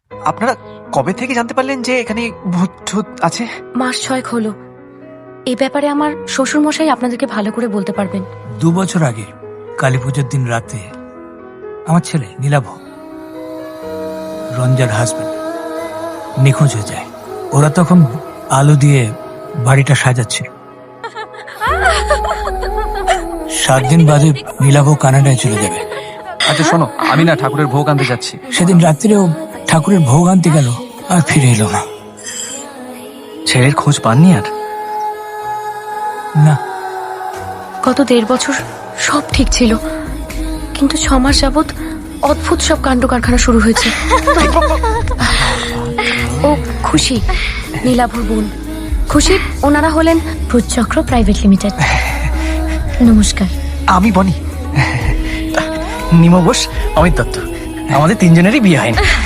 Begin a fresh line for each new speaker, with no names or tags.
আপনারা কবে থেকে জানতে পারলেন যে এখানে ভূত ঠুত আছে?
মাস 6 হলো। এই ব্যাপারে আমার শ্বশুর মশাই আপনাদেরকে ভালো করে বলতে পারবেন।
2 বছর আগে কালী পুজোর দিন রাতে আমার ছেলে নীলাভ, রঞ্জার হাজবেন্ড, নিখোঁজ হয়ে যায়। ওরা তখন আলো দিয়ে বাড়িটা সাজাচ্ছিল। 7 দিন বাদে নীলাভ কানাডায় চলে যাবে।
আচ্ছা শোনো, আমি না ঠাকুরের ভোগ আনতে যাচ্ছি।
সেদিন রাত্রিরেও ঠাকুরের ভোগ আনতে গেল, আর ফিরে এলো না।
ছেলের খোঁজ পাননি আর?
না,
গত 1.5 বছর সব ঠিক ছিল, কিন্তু 6 মাস যাবৎ অদ্ভুত সব কাণ্ড কারখানা শুরু হয়েছে। ও খুশি, নীলাভর বোন খুশি, ওনারা হলেন ভূতচক্র প্রাইভেট লিমিটেড। নমস্কার।
আমি বনি, নিমা বোস, অমিত দত্ত। আমাদের 3 জনেরই বিয়ে হয়নি।